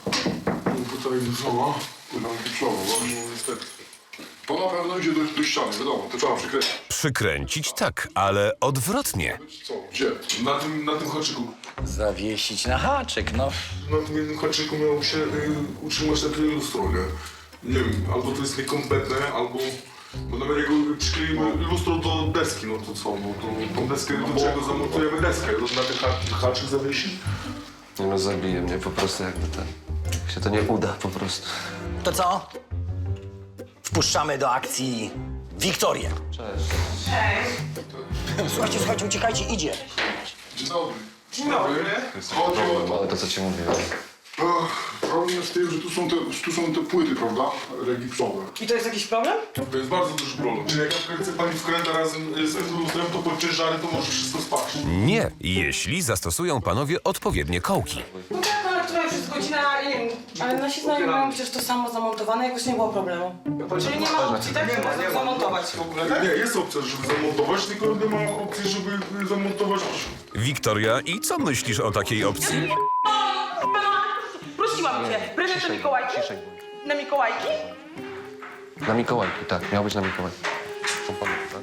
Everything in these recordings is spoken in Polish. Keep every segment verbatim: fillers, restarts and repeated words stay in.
Półtorej litrowa. Półtorej litrowa, No niestety. to na pewno idzie do, do ściany, wiadomo, to trzeba przykręcić. Przykręcić tak, ale odwrotnie. Co, gdzie? Na tym, na tym haczyku. Zawiesić na haczyk, no. Na tym jednym haczyku miało się y, utrzymać takie lustro, nie? Nie wiem, albo to jest niekompletne, albo... Bo nawet jak przykleimy lustro do deski, no to co? No to tą deskę, do czego zamontujemy deskę? Na ten ha haczyk zawiesi? Nie no, zabije mnie po prostu jakby ten... Jak się to nie uda po prostu. To co? Wpuszczamy do akcji Wiktorię. Cześć. Słuchajcie, słuchajcie, uciekajcie, idzie. Dzień dobry. Dzień dobry. Chodzi o to. Ale to, co ci mówiłem. Ech, problem jest w tym, że tu są te, tu są te płyty, prawda? Regipsowe. I to jest jakiś problem? To jest bardzo duży problem. Czyli jak na przykład chce pani wkręta razem z tym lustrem, to pod ciężary to może wszystko spaść. Nie, jeśli zastosują panowie odpowiednie kołki. No tak, ale która już jest godzina, nie wiem, ale nasi znajomi mają przecież to samo zamontowane, jakoś nie było problemu. Czyli nie ma opcji, tak, żeby zamontować w ogóle, Nie, jest opcja, żeby zamontować, tylko nie ma opcji, żeby zamontować. Wiktoria, i co myślisz o takiej opcji? Prosiłam cię, prezent na Mikołajki? Ciszej bądź. Na Mikołajki? Na Mikołajki, tak. Miał być na Mikołajki. Są panu, tak?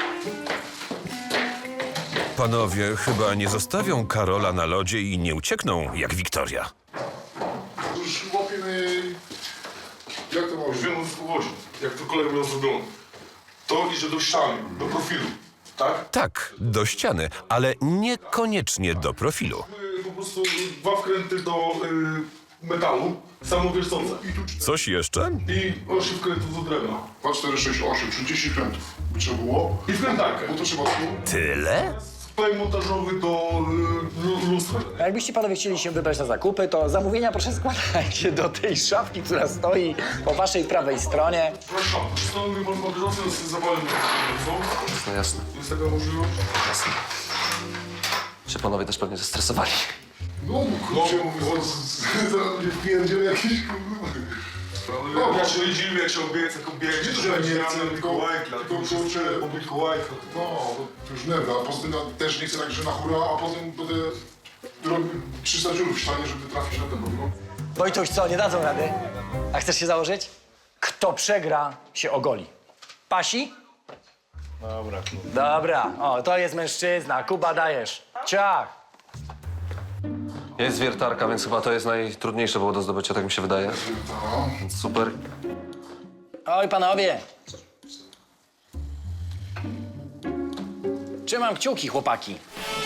Panowie chyba nie zostawią Karola na lodzie i nie uciekną, jak Wiktoria. Już łapiemy... Jak to ma Już wiem, o co chodzi. Jak to kolega miał zrobione. To idzie do ściany, do profilu, tak? Tak, do ściany, ale niekoniecznie do profilu. Y, Po prostu dwa wkręty do y, metalu, samowiercące. I tu Coś jeszcze? I osiem wkrętów do drewna. dwa, cztery, sześć, osiem, trzydzieści krętów by trzeba było. I wkrętarkę. Bo to trzeba tu... Tyle? Sklej montażowy do y, lu- lustra. A jakbyście panowie chcieli się wybrać na zakupy, to zamówienia proszę składajcie do tej szafki, która stoi po waszej prawej stronie. Przepraszam, stanowi można bieżąco z zawalem co? Jasne, jasne. Jest taka możliwość? Jasne. Się panowie też pewnie zestresowali. No, kurczę, mówię, zaraz będzie wpierdziel jakiś, kurwa. No, ja się dziwię, jak się obiecę, jak obiecę, że że nie nie chcę, chcę tylko- Mikołajki, tylko tylko kurczę, kurczę, po Mikołajkach. No, to już nerwa, a poza tym ja też nie chcę tak, że na hura, a potem będę robił trzysta dziurów w ścianie, żeby trafić na ten no. Wojtuś, co, nie dadzą rady? A chcesz się założyć? Kto przegra, się ogoli. Pasi? Dobra. Dobra, o, to jest mężczyzna. Kuba, dajesz. Ciach. Jest wiertarka, więc chyba to jest najtrudniejsze było do zdobycia, tak mi się wydaje. Więc super. Oj, panowie. Trzymam kciuki, chłopaki.